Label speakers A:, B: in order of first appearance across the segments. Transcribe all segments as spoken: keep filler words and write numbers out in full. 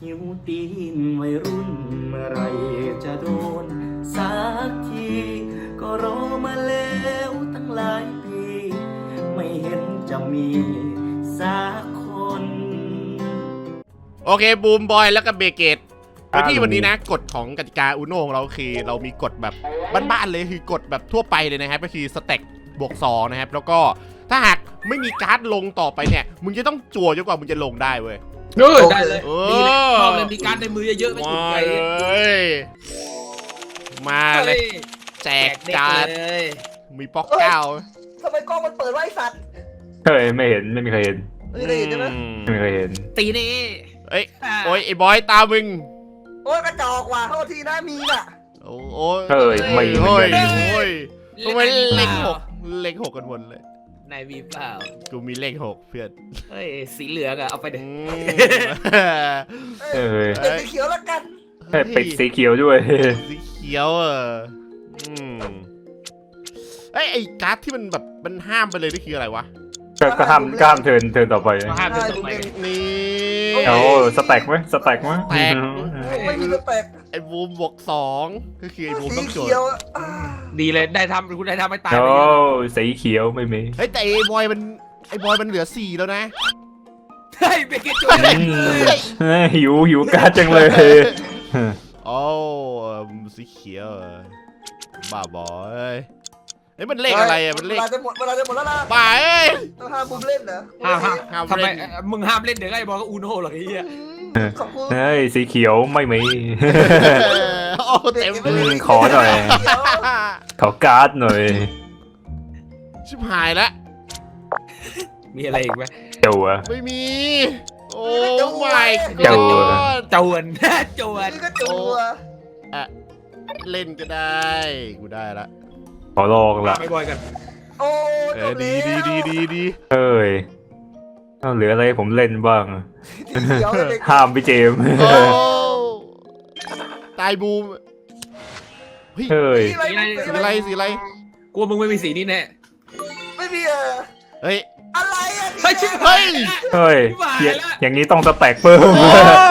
A: หิวตีนวัยรุ่นเมื่อไรจะโดนสักทีก็รอมาแล้วตั้งหลายปีไม่เห็นจะมีสักคน
B: โอเคบูมบอยแล้วก็เบเกตโดยที่วันนี้นะกฎของกติกาอูโน่ของเราคือเรามีกฎแบบบ้านๆเลยคือกฎแบบทั่วไปเลยนะครับก็คือสเต็กบวกสองนะครับแล้วก็ถ้าหากไม่มีการ์ดลงต่อไปเนี่ยมึงจะต้องจั่วจนกว่ามึงจะลงได้เว้ย
C: เออได้เลย
B: เอ
C: ดีเลย
B: อ
C: ชอบเลยมีการในมือเยอะๆไม่
B: มา
C: ถูกใจ
B: เลยมาเลยแจก
C: เด็ก
B: การ์ด
C: เลย
B: มีป๊อกเก้า
D: ทำไมกล้องมันเปิดไว้สัตว์
E: เฮ้ยไม่เห็นไม่มีใครเห็น
D: ไม่ได้เห็นใช่ไหม
B: อืม
E: ไม่มีใครเห็น
C: ตีนี่
B: เอ้ยโอ้ยไอ้บอยตามมึง
D: โอ้ยกระจอกว่ะโทษทีนะมีน่ะ
B: โอ้โอ้ย
E: เฮ้ยไม่เหมือน
B: โอ้ย
E: กัน
B: โอ้ยทำไมเลขหกเลขหกกันหมดเลย
C: นายวีเปล่า
B: กูมีเลขหกเพื่อน
C: เฮ้ยสีเหลืองอะเอาไปเด็
B: อื
C: ด
B: ม
E: เออ
D: เป็นสีเขียวแล้วกัน
E: เฮ้ยปิดสีเขียวด้วย
B: สีเขียวเอออืมเอ้ยไอ้การ์ดที่มันแบบมันห้ามไปเลยนี่คืออะไรวะ
E: ก็ก็ห้ามก็ห้ามเทิร์นเทิร์นต่อไป
C: มาห้ามเป็นตรงไหน
B: นี่
E: โอ้สแต็กไหมสแต็กไหม
B: แตก
D: ไม่มีสเปก
B: ไอ้บูมบวกสองก็คือไอ้บูม
D: สี
B: ต้องโจท
D: เขียว
B: ย์
D: อ่ะ
C: ดีเลยได้ทำคุณได้ทำไม่ตาย
E: โอ้
C: ไปเยอะ
E: สีเขียวไม่มี
B: เฮ้ยแต่ไอ้บอยมันไอ้บอยมันเหลือสี่แล้วนะ
C: เฮ้ยเบเกตจุ
E: อืมเฮ้ยหิวหิวการ์ดจังเลย
B: โอ้สีเขียวเหรอบ้าบอยเฮ้ยมันเลขอะไรอ่ะมันเลข
D: เวลาจะหมดเวลาจะหมดแล้วนะ
B: บ้าเอ้ย
D: ต้องห้ามบุมเล่นเหรอ
C: ห้ามห้าม
B: ห้าม
C: ทำไม
B: เล่น
C: มึงห้ามเล่นเดี๋ยวไอ้บอลก็อูโน่หรอกไอ้เหี้ย
D: ขอบคุณ
E: เฮ้ยสีเขียวไม่มี
B: โอ้เต็มเล
E: อื
B: ย
E: มขอหน่อย
D: เขียว
E: ขอการ์ดหน่อย
B: ชิบหายแล้ว
C: มีอะไรอีกไหม
E: เจ้าอะ
B: ไม่มี โอ้ไม่
E: เจ้า
C: จวนจวน
D: นี่ก็จัว
B: เล่นก็ได้กูได้ละ
E: ขอลองละ
C: ไปบอยกัน
D: โอ้
B: เออดีดีดีดีดี
E: เฮ้ยเอาเหลืออะไรให้ผมเล่นบ้าง
D: สีเขียวเลย
E: ห้ามพี่เจมส์
B: โอ้ตายบูมเฮ้ย
E: เฮ้ย
B: สีอะไรสีอะไร
C: กลัวมึงไม่มีสีนี้แน่
D: ไม่มีเออ
B: เฮ้ย
D: อะไรอ่ะ
C: เฮ้ยชิบ
B: เฮ้ย
E: เฮ้ย
C: หวาน
E: อย่า
C: ละ
E: อย่างนี้ต้องสแต็กเพิ่ม
B: โอ้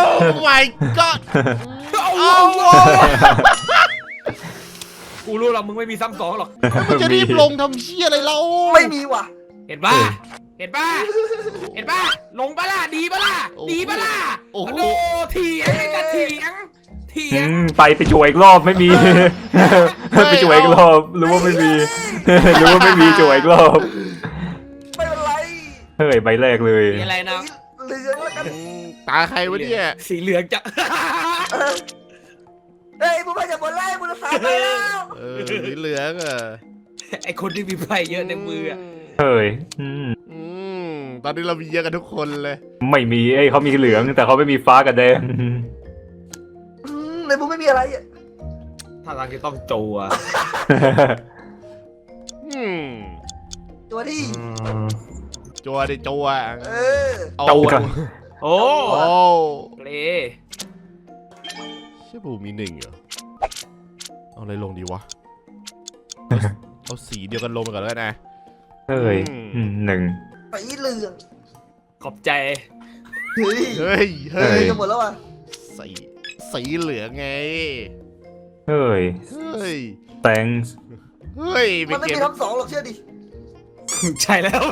B: my god
C: โอ้
B: โอ้
C: โหกูรู้หรอกมึงไม่มีซ้ำสองหรอก
B: มันจะรีบลงทำเชี่ยอะไรเรา
D: ไม่มีว่ะ
C: เห็นป่ะ เห็นป่ะ เห็นป่ะ ลงป่ะล่ะ ดีป่ะล่ะ ดีป่ะล่ะ
B: โอ้โห
C: โอ้เถียงไอ้จะเถียง เถีย
E: อื
C: ง
E: มไปไปช่วยอีกรอบไม่มี ไปช่วยอีกรอบรู้ว่าไม่มี รู้ว่าไม่มีช่วยอีกรอบ
D: ไม่เป็นไร
E: เฮ้ยใบแรกเลย
C: มีอะไรนะ
D: เหลืองแล้วกัน
B: อืมตาใครวะเนี่ย
C: สีเหลืองจะ
D: เฮ้ยบุมไปจากบนไล่บุมสามไปแล้ว
B: เออสีเหลืองอ่ะ
C: ไอคนที่มีไพ่เยอะในมืออะ
E: เฮ้ยอืม
B: อืมตอนนี้เรามีเยอะกันทุกคนเลย
E: ไม่มีไอ้ยเขามีเหลืองแต่เขาไม่มีฟ้ากับแดง
D: อืมในบุมไม่มีอะไรอ่ะ
C: ถ้าทางจะต้องโจว
B: อืม
D: ตัวที่
B: จัวดิจัว
D: เออ
B: เอา
E: จัว
C: โอ้
B: โอ้
C: เล
B: เชื่อบูมีหนึ่งเหรอเอาอะไรลงดีวะเอาเอาสีเดียวกันลงไปก่อนแล้วกันนะ
E: เฮ้ยอืมหนึ่ง
D: สีเหลือง
C: ขอบใจ
D: เฮ้ย
B: เฮ้ย
D: เฮ้
B: เฮ้
D: ย
B: ย
D: จะหมดแล้วอ่ะ
B: สีสีเหลืองไง
E: เฮ้ย
B: เฮ้ย
E: thanks
B: เฮ้ย
D: มันไม่
B: เก
D: มี
B: ม
D: ทั้งสองหรอกเชื่อดิ
C: ใช่แล้ว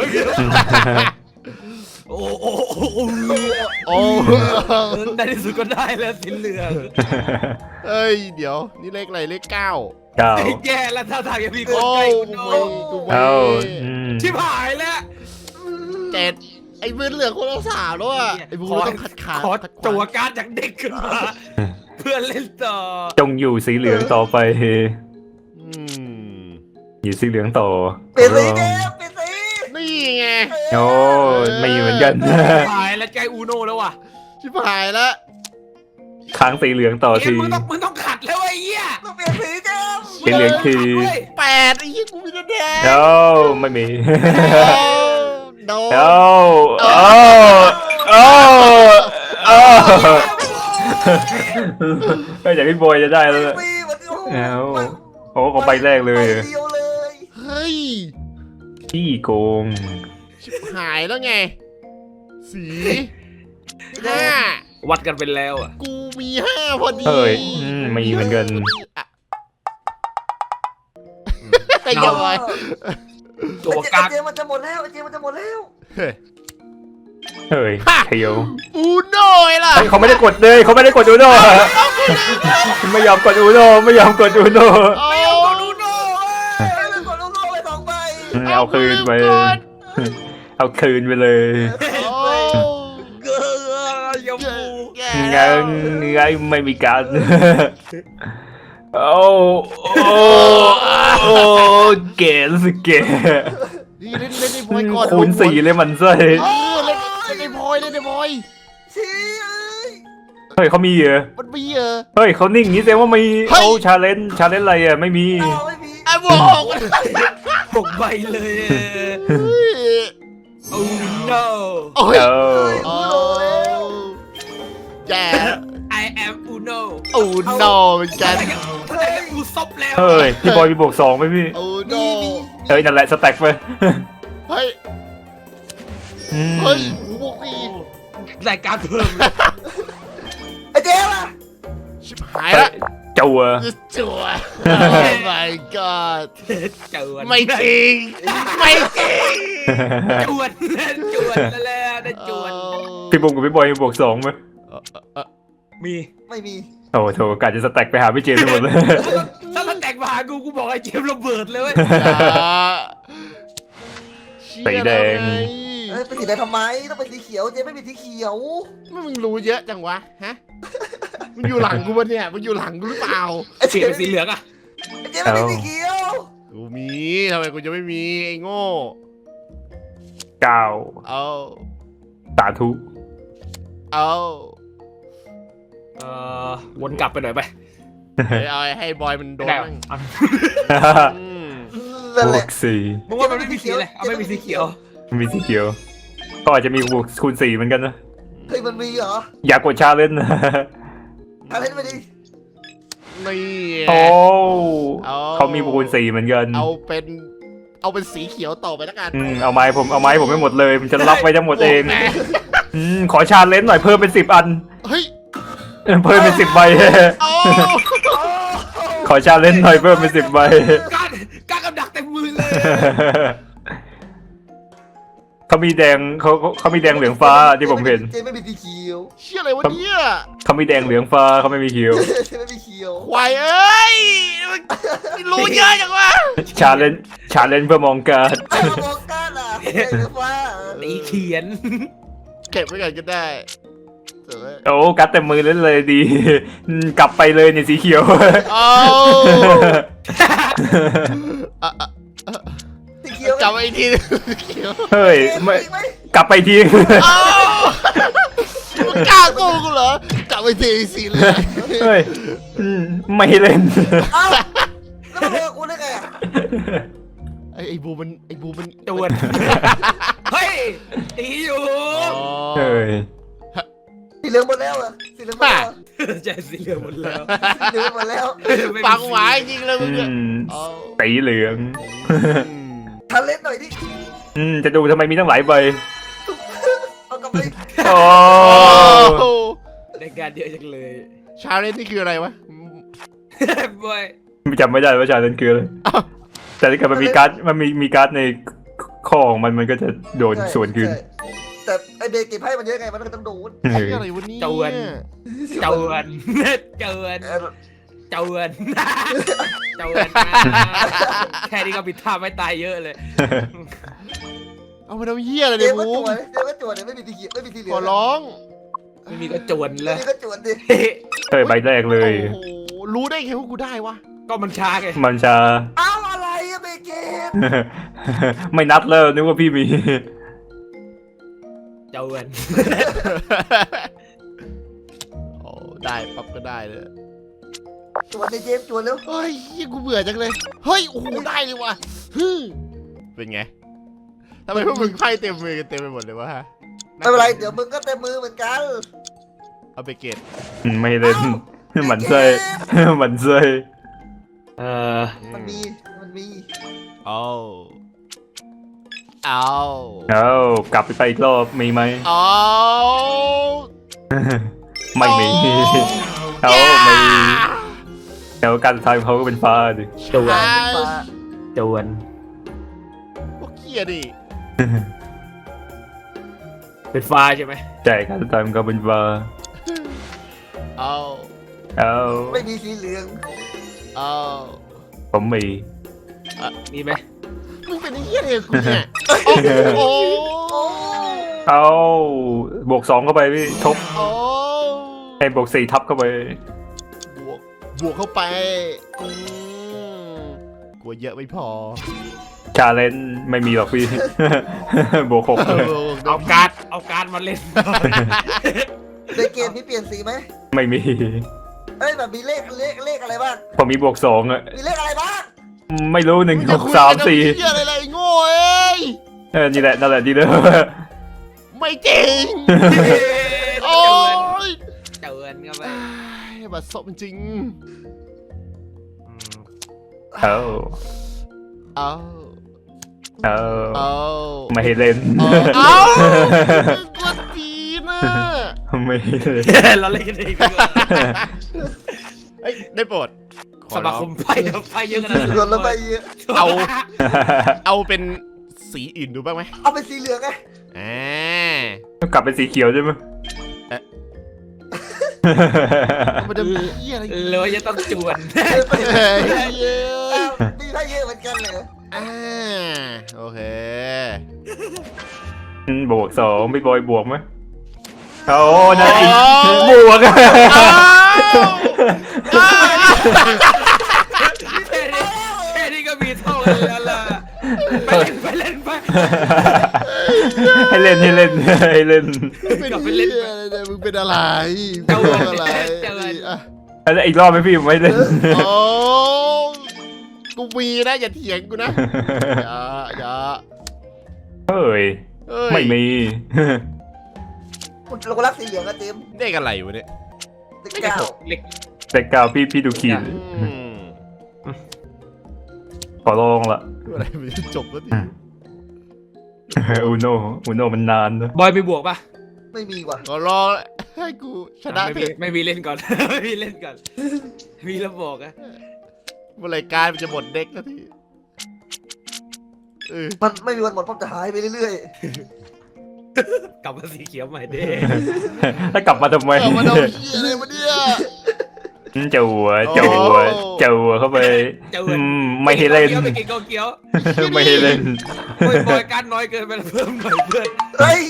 C: โอ้โอ้โอ้โอ้
B: โอ้
C: ในที่สุดก็ได้แล้วสีเหลือง
B: เฮ้ยเดี๋ยวนี่เลขอะไรเลขเก้า
E: เก้า
C: ไอ้แย่แล้วถ้าทางจะมีคน
B: โอ้
C: ใกล้
B: ย
C: คุณโน
B: กู
E: เก้า
B: ไม่
E: อืม
C: ชิบหายแล้ว
B: เจ็ดไอ้มือเหลืองคนละสามแล้วอ่ะไอ้บูมต้องขัดขา
C: ขอ
B: ขัดข
C: ตัว
B: วาง
C: การ์ดจากเด็กขึ้นมา เพื่อเล่นต่อ
E: จงอยู่สีเหลืองต่อไป
B: อืม
E: อยู่สีเหลืองต่อ
D: เปลี่ยนสีเกมเปลี่ยนสี
B: นี่ไง
E: โอ้ไม่เหมือนกัน
C: หายแล้วใจอูโน่แล้วว่ะ
B: ชิบหายแล้ว
E: ค้างสีเหลืองต่อ
C: เอ็
E: ที
C: มมึงต้องมึงต้องขัดแล้วไอ้เหี้ย
D: ต้องเปลี่ยนสีเกม
E: สีเหลืองที
B: แปดไอ้ยี่กูมีแต่แดง
E: โอ้ไม่มี
B: โดน
E: โอ้โอ้โอ้โอ้ก็อย่างพี่บอยจะได้แล้ว
D: ปีมันโอ้โห
E: เอาโอ้ก็ใบแรกเลย
D: ใบเดียวเลย
B: เฮ้ย
E: ขี้โกง
B: ชิบหายแล้วไง สีห้า
C: วัดกันไปแล้วอ่ะ
B: กูมีห้าพอดี
E: เอ้ยอืมมีเหมือนกัน
B: อ่ะไอ้เหี้ยบอย
C: ตัว
D: ไอ้เจ
C: กัก
D: ไอ้เจมันจะหมดแล้วไอ้เจมันจะหมดแล้ว
B: เฮ้ย
E: เฮ้ยเทียว
B: อูโน่ไอ้ล่ะ
E: เฮ้ยเขาไม่ได้กดเลยเขาไม่ได้กดอูโน่ไม่ยอมกดอูโน่ไม่ยอมกดอูโน่
B: เอา
C: ก็ดูโน่
D: เอ้ยมันกดลูกโลกไปสองใบ
E: เอาคืนไป เอาคืนไปเลย
B: เอา
C: เกลือยมพู
B: แย่
E: งั้นงั้นไม่มีการโอ้โอ้โอ้เก๋สิเก๋
B: นี่เล่นเล่นในพอยก่อน
E: คูณสี่เลยมันไส้
B: เออเล่นเล่นในพอยเล่นในพอย
D: ชี้เอ้ย
E: เฮ้ยเขามีเหรอ
B: มันมีเออ
E: เฮ้ยเขานิ่งงี้แสดงว่ามี
B: เฮ้ย
E: เขาชาเลนจ์ชาเลนจ์อะไรอ่ะไม่มี
D: เอาไม่มี
B: ไอ้บวก
C: หกใบเลย
B: เฮ้ย
C: โอ้ no
B: โอ้ย
E: เออ
B: โอ้แย่
C: I am Uno
B: อูโน่เหมือนกัน
C: แต่ก็กูซบแล้ว
E: เฮ้ยพี่บอยมีบวกสองไหมพี่
B: อูโน่
E: เฮ้ยนั่นแหละสแต็กไป
B: เฮ้ย
E: อืม
B: เฮ้ยหูบวกสี่
C: รายการเพิ่มเลย
D: ไอ้เจล่ะ
B: ชิบหายละ
E: จัว
B: จัว Oh my god
C: เจอ
B: ไม่จริง ไม่จริง
C: จวนจวนแล้วแหละได้จวน
E: พี่บุ้มกับพี่บอยมีบวกสองไหม
B: เออเออเออ
C: มี
D: ไม่มี
E: โอ้โถกาจะสแต็กไปหาพี่เจมส์ไปหมดเลย
C: ถ้ามันแตกมาหากูกูบอกไอ้เจมส์ระเบิดเลยเว้ย
E: สีแดง
D: เอ้ยเป็นสีแดงทำไมต้องเป็นสีเขียวเจไม่มีสีเขียว
B: ไม่มึงรู้เยอะจังวะ ฮะ มึงอยู่หลังกูปะเนี่ย มึงอยู่หลังกูหรือเปล่า
D: ไอ้
C: เปลี่ยนเป็นสีเหลืองอะ
D: ไอ้เจไม่มีสีเขียว
B: กูมี ทำไมกูจะไม่มี ไอ้โง่
E: เก้า
B: เอา
E: สาธุ
B: เอา
C: เอ่อวนกลับไปหน่อยไป
B: เดี๋ยวเอาให้บอยมันโดน
C: ได้
B: มั่ง
C: เอา
B: อืม
D: นั่น
E: บ
D: แห
E: ว
D: ละ
E: กสี่
C: มึงว่ามันไม่มีสีเลยเอาไม่มีสีเขียว
E: มีสีเขียว ก็อาจจะมีบวกคูณสี่เหมือนกันนะ
D: เฮ้ยมันมีเหรอ
E: อยากกดชาเลนจ์นะ
D: อะไรไม่ดี
B: นี่
E: โอ้
B: เอา
E: เขามีคูณสี่เหมือนกัน
B: เอาเป็น เอาเป็นสีเขียวต่อไปแล้วกัน
E: อืมเอาไม้ผมเอาไม้ผมไม่หมดเลยผมจะรับไว้ทั้งหมดเอง
B: โแม่
E: อืมขอชาเลนจ์หน่อยเพิ่มเป็นสิบอัน
B: เฮ้ย
E: เพิ่มเป็นสิบใบ
B: เอา
E: ขอชาเลนจ์หน่อยเพิ่มเป็นสิบใบ
C: การการกำดักเต็มมือเลย
E: เขามีแดงเขาเขาเขามีแดงเหลืองฟ้าที่ผมเห็น
D: เจไม่มีสีเขียว
B: เชี่ยอะไรวะเนี่ย
E: เขามีแดงเหลืองฟ้าเขาไม่มีเขียว
D: เจไม่มีเขียว
B: ควายเอ้ยมันรู้เยอะจังวะ
E: ชาเลนจ์ชาเลนจ์เพื่อมองการด
D: ไอ้กระบอกก้านอ่ะเจหรือฟ้า
C: ตีเขียน
B: เก็บไว้ก่อนก็ได้เสร็จแล้ว
E: โอ้การดเต็มมือเล่นเลยดีอืมกลับไปเลยเนี่ยสีเขียว
B: เอาอ่ะอ่ะ
D: สีเขียว
B: จับไว้อีกทีเขียว
E: เฮ้ย
D: เจ
E: ไม่
D: มีไหม
E: กลับไปที
B: เอามึงกล้าโกงกูเหรอจับไว้ทีสีเหลย
E: เฮ้ยอืมไม่เล่น
D: เอ้าแล้วมาบอกกูได้ไงอ่ะ
B: ไอ้ไอ้บูมันไอ้บูมัน
C: จวน เฮ้ยตีอยู่
B: อ๋อ
E: เฮ้ย
D: สีเหลืองหมดแล้วอ่ะสีเหลืองหมดแล้วอะ
C: ใช่สีเหลืองหมดแล้ว
D: สีเหลืองหมดแล้ว
B: ฟังหวายจริงเลยมึง
E: อื
B: เนี่ย
E: ม
B: เอา
E: สีเหลือง
B: อืม
D: ทันเล่นหน่อยดิ
E: อืมจะดูทำไมมีตั้งหลายใบ
D: เอากลับไป
E: โอ้
B: โอ้
C: ในการเยอะจังเลย
B: ชาเลนจ์นี่คืออะไรวะ
C: บอย
E: จำไม่ได้ว่าชาเลนจ์คืออะไร
B: อ้าว
E: แต่ถ้าเกิดมันมีการ์ดมันมีมีการ์ดในข้อของมันมันก็จะโดน
D: ใช่
E: ส่วนคืน
D: ใช่แต่ไอเบเก็บให้มันเยอะไงมันก็ต้องโดน
E: เอ
B: ไอ้
E: อ
B: อะไรวะเนี่ย
C: จวนจวนจวน
D: เออ
C: จวนจวนแค่นี้ก็ผิดท่าไม่ตายเยอะเลย
B: เอามาทำเหี้ยอะไร
D: เจ
B: เนี่ย
D: มก็
B: บู
D: จ
B: ม
D: วนเจมก็จวนเนี่ยไม่มีสีเขียวไม่มีสีเหลื
B: ข
D: อ
B: อง ร้อง
C: ไม่มีก็จวนเล
D: ไม่
C: ย
D: มีก็จวนดิ
E: เฮ้ยใบแรกเลย
B: โอ้โหรู้ได้ไงว่ากูได้วะ
C: ก็มันช้าไง
E: มันจะ
D: เอ้าอะไรอะเบเกต
E: ไม่นัดแล้วนึกว่าพี่มี
C: จวน
B: โอ้ได้ปั๊บก็ได้เลย
D: จวนในเจมจวนแล้ว
B: เฮ้ยเหี้ยกูเบื่อจังเลย เฮ้ย โอ้โห ได้เลยว่ะฮึ่มเป็นไง ทำไมพวกมึงไพ่เต็มมือกันเต็มไปหมดเลยวะฮะ
D: ไม่เป็นไรเดี๋ยวมึงก็เต็มมือเหมือนกัน
B: เอาไปเกต
E: อืมไม่เล่นหมันไส้หมันไส้
C: เออ
D: มันมีมันมี
B: เอาเอา
E: เอากลับไปอีกรอบมีไหม
B: เอา
E: ไม่มีเขาไม่แล้วการสุดท้ายของเขาก็เป็นฟ้าดิ
C: จวน
D: ฟ้า
C: จวน
B: พวกเกียดิ
C: เป็นฟ้าใช่ไหม
E: ใช่การสุดท้ายมันก็เป็นฟ้า
B: เอา
E: เอา
D: ไม่มีสีเหลือง
B: เอา
E: ผมมี
C: มีไหม
B: มึงเป็นไอ้เหี้ยอะไรกับกูเนี่ยโอ้โห
E: เอาบวกสองเข้าไปพี่ทบ
B: โอ้
E: ให้บวกสี่ทับเข้าไป
B: บวกบวกเข้าไปอืมกลัวเยอะไม่พอ
E: ชาเลนจ์ไม่มีหรอกพี่ บวกหก
C: เอาการ์ดเอาการ์ดมาเล่น
D: ในเกมนี้เปลี่ยนสีไหม
E: ไม่มี
D: เอ้ยแบบมีเลขเลขเลขอะไรบ้าง
E: ผมมีบวกสองอะ
D: มีเลขอะไรบ้าง
E: ไม่รู้หนึ่ง
B: มึง
E: ห
B: จะ
E: ก
B: คุย
E: สาม
B: กัน
E: สี่
B: เหี้ยอะไรอะไรโง่เอ้ย
E: เออนี่แหละนั่นแหละดีเลย
B: ไม่จริง โอ้ย
C: เจวนก็ไป
B: อ้ายบัดซบจริง
E: เอา
B: เอา
E: เอา
B: เอา
E: ไม่ให้เล่น
B: เอากดจีน่ะ
E: ไม่ให้เล่น
C: เราเล่นกันเองดีกว่า
B: เอ้ยได้โปรดขอ
C: ส
B: ร้
C: มา
B: อง
C: คมไพ่ไพ่เยอะขนาดนั้น
D: ส่วนละใบเยอะ
B: เอา เอาเป็นสีอื่นดูบ้างไหม
D: เอาเป็นสีเหลืองไง
B: อ่า
E: กลับเป็นสีเขียวใช่ไหม
B: มันจะมีเหี้ยอะไรอีก
C: เลยจะต้องจวน
B: เฮ้ยเยอ
D: อ้า
B: ะ
D: วมีไพ่เยอะเหมือนกันเลย
B: อ่าโอเค
E: อืมบวกสองพี่บอยบวกไหมเอานะอีก
B: อ๋อ
E: บวก
B: อ้าวอ้าว
C: แค่นี้แค่นี้ก็มีเท่ากันแล้วล่ะไปเล่นไปเล่นไป
E: ให้เล่นให้เล่นให้เล่น
B: เป็นเหี้ยอะไรเนี่ยมึงเป็นอะไร
C: เจ้า
B: มึ
C: เอิ
B: ง
C: ญ
B: เป็นอะไร
C: เจ้าเอิญ
B: อ่ะ
E: แล้วอีกรอบไหมพี่ไม่เล่น
B: โอ้กูมีนะอย่าเถียงกูนะอย่าอย่า
E: เฮ้ย
B: เอ้ย
E: ไม่มี
D: เราก็รักสีเหลืองนะเจมส์
B: ได้กันอะไรวะเนี่ย
D: เลขเก้า
C: เล็ก
E: แต่กาวพี่พี่ดูขีด
B: อืม
E: ขอลองละ
B: อะไรมันจะจบแล้วดิ
E: อูโนอูโนมันนานนะ
C: บอยมีบวกปะ
D: ไม่มีว่ะ
B: ก็รอให้กูชนะ
C: ไม่
B: เถ
C: มี
B: อะ
C: ไม่มีเล่นก่อน ไม่มีเล่นก่อน มีแล้วบอกอะ
B: เมื่อไหรการมันจะหมดเด็กแล้วทีเออ
D: มันไม่มีวันหมดเพราะจะหายไปเรื่อย
C: กลับมาสีเขียวใหม่เด้
E: แล้วกลับมาทำไม
B: เอามาเอาเหี้ยอะไรมาเนี่ย
E: เจ้าหัวเจ้าหัว
B: โอ้
E: เจ้าหัวเข้าไป
C: เจ้า
E: อื
C: เอิญ
E: มไม่ให้เล่น
C: ไม่กินโกเกียว
E: ไม่ให้เล่น
C: โอ้ยบอยการน้อยเกินไปแล้วเพิ่มหน่อยเพื่อน
D: ๆเฮ้ย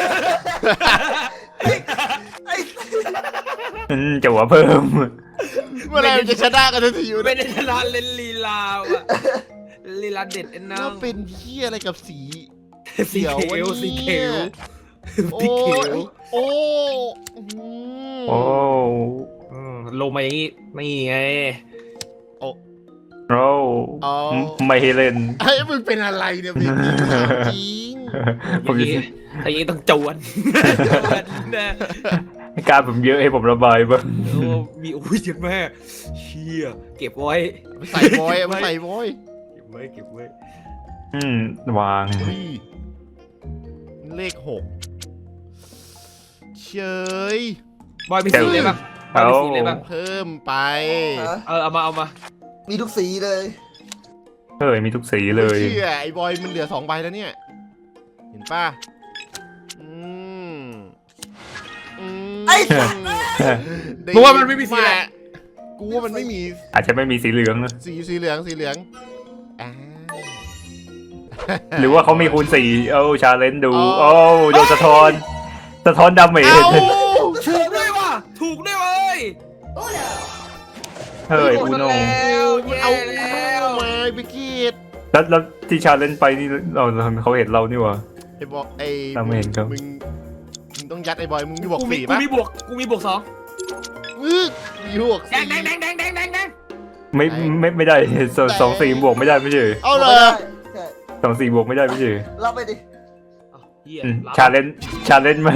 D: ไอ้
E: อืมเจ้าหัวเพิ่ม
B: เมื่อไหรมันจะชนะกันทันทีอยู่
C: ไม่
B: เนี่ย
C: ได้ชนะเล่นลีลาว่ะลีลาเด็ดไอ้น้
B: แล้
C: อ
B: ว
C: ง
B: เป็นเหี้ยอะไรกับสี
C: สีเขียวสีเขียว
B: โอ้
C: สีเขีย
B: ยว โอ้อืม
E: โอ้
C: อืมลงมาอย่างงี้นี่ไง
E: โอ้
B: อ๋อ
E: ไม่ให้เล่น
B: ไอ้ยมึงเป็นอะไรเนี่ยเบบี้ถามจริง
E: ผม
C: อ
E: จะ
C: ย่างงี้ถ้าอย่างงี้ต้องจวนจวนนะ
E: การผมเยอะให้ผมระบายบ้าง
C: โอ้มีโอ้ยเยอะมากเชี่ยเก็บไว้
B: เอาไปใส่บอยเอาไปใส่บอย
C: เก็บไว้เก็บไว้
E: อืมวาง
B: อุ้ยเลขหกเฉย
C: บอยมีสีเลยปะบอยมีสีเลยปะ
B: เพิ่มไป
D: ฮะ
C: เออเอามาเอามา
D: มีทุกสีเลย
E: เฮ้ยมีทุกสีเลย
B: ไม่เชื่อไอ้บอยมันเหลือสองใบแล้วเนี่ย เห็นป่ะอืมอืม
D: ไอ้สัตว์
B: ได้
C: มึงว่ามันไม่มีสีอะไร
B: กูว่ามันไม่มี
E: อาจจะไม่มีสีเหลืองนะ
B: สีสีเหลืองสีเหลืองอ่า
E: หรือว่าเขามีคูณสี่เอ้าชาเลนจ์ดู
B: อ๋อ
E: โอ้โดนสะท้อน สะท้อนดาเมจ
B: เอ้า
C: ถูกด้วยว่ะถูกด้วยเว้ย
E: เฮ้ยอูโน
C: แล้ว
B: มัน
C: แย่
B: เอา
C: แล้ว
B: มาไปกีด
E: แล้วแล้วที่ชาเลนจ์ไปนี่เราเขาเห็นเรานี่หวะ
B: ไอ้บอกไอ้
E: ตามไม่เห็นครับ
B: มึงมึงต้องยัดไอ้บอยมึงมีบอก
C: กูมี
B: สี่
C: กู
B: ป่ะ
C: มีบวกกูมีบวกสอง
B: มึงมีบอก
C: แด
B: สี่
C: งแดงแดงแดงแดงแดงแดง
E: ไม่ไม่ไม่ได้สองสองสี่บวกไม่ได้ไม่ใช่เหรอ
B: เอาเลย
D: ใช่
E: สองสี่บวกไม่ได้ไม่ใช่เหรอ
D: รับไปดิ
C: เอาเหี้ย
E: อืม
C: รับ
E: ชาเลนจ์ชาเลนจ์มา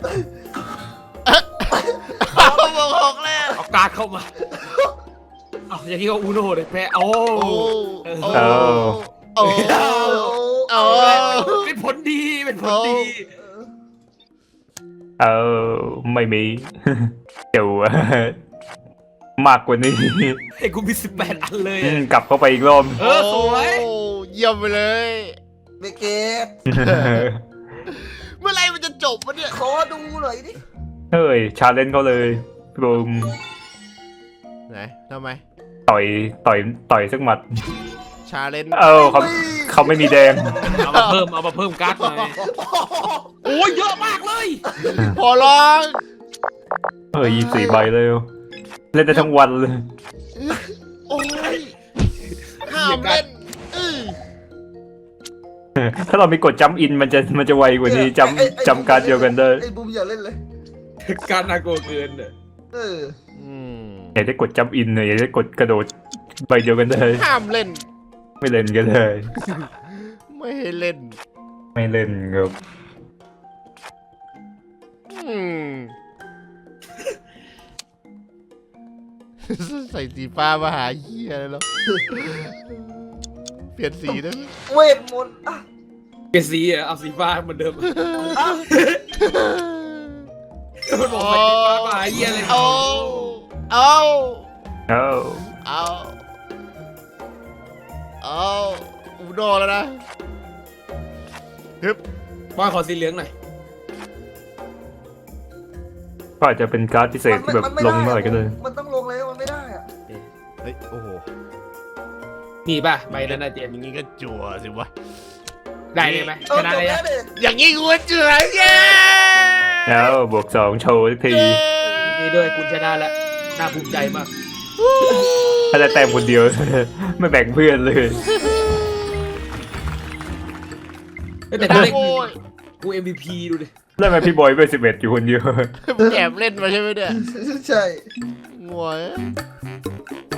B: เอาบอกหกแล้ว
C: เอาการ์ดเข้ามาเอาอย่างนี้ก็อูโน่เลยแพ้โอ้
B: โอ้
C: เออ
B: โอ้โอ้โอ้
C: เป็นผลดีเป็นผลดี
E: เเออไม่มี เดี๋ยวมากกว่านี้
C: ไอ้กูมีสิบแปดอันเลย
E: อื
C: อะ
E: มกลับเข้าไปอีกรอบ
C: เออสวย
B: โอ้เยี่ยมไปเลย
D: เบเกต
B: เมื่อไหรมันจะจบวะเนี่ย
D: ขอดูหน่อยดิ
E: เฮ้ยชาเลนจ์เขาเลยบูม
B: ไหนทำไม
E: ต่อยต่อยต่อยสักหมัด
B: ชาเลนจ์
E: เออเขาเขาไม่มีแดง
C: เอามาเพิ่มเอามาเพิ่มการ์ดหน่อยโอ้ยเยอะมากเลย
B: พอร้อง
E: เฮ้ยยี่สี่ใบเลยเล่นได้ทั้งวันเลย
B: โอ้ยห้ามเล่นอื้อ
E: ถ้าเรามีกดจัมอินมันจะมันจะไวกว่านี้จ
D: ไอ้ไอ้
E: ำจำการดเดียวกันได้
D: ไอ้บูมอย่าเล่นเลย
C: การน่ากลัวเกินเนี่ย
D: เออ
B: อืม
E: อยากได้กดจัมอินเนี่ยอยากได้กดกระโดดใบเดียวกันได้
B: ห้ามเล่น
E: ไม่เล่นกันเลย
B: ไม่ให้เล่น
E: ไม่เล่นครับ
B: อืม ใส่สีฟ้ามาหาเหี้ยเลยเหรอเปลี่ยนสีได้ไหม
D: เวทมนต์อ่ะ
C: เปลี่ยนสีอะเอาสีฟ้าเหมือนเดิม
D: อ่ะ
C: มันบอกใส่สีฟ้ามาเยี่ยเลย
B: เอาเอา
E: เอ้า
B: เอาเอาอูโดแล้วนะฮึบ
C: ว่าขอสีเหลืองหน่อย
E: ก็อาจจะเป็นการ์ดพิเศษที่แบบ
D: มันไม่
E: ล
D: ได้
E: งเมื่อไหร่ก็ได้
D: มันต้องลงแล้วมันไม่ได้อะ
B: เฮ้ยโอ้โห
C: นี่ป่ะใบนั้นนะเจม
B: อย่างงี้ก็จั่วสิวะ
C: ได้เลยไหม
D: เออ
C: ชนะ
D: จบ
C: เลย
D: แล้ว
C: อะ
D: ดิ
B: อย่างงี้กูก็จั่วเย้
E: แล้วบวกสองโชว์สักที
C: นี่ด้วยคุณชนะแล้วน่าภูมิใจมาก
E: ถ้าได้แต้มคนเดียว ไม่แบ่งเพื่อนเลย
C: แต่ถ้าได้
B: โอ้ย
C: กู เอ็ม วี พี ดูดิ
E: แล้วทำไมพี่บอยไปสิบเอ็ดอยู่คนเดียว
B: แอบเล่นมาใช่ไหมเนี่ย
D: ใช่
B: งวย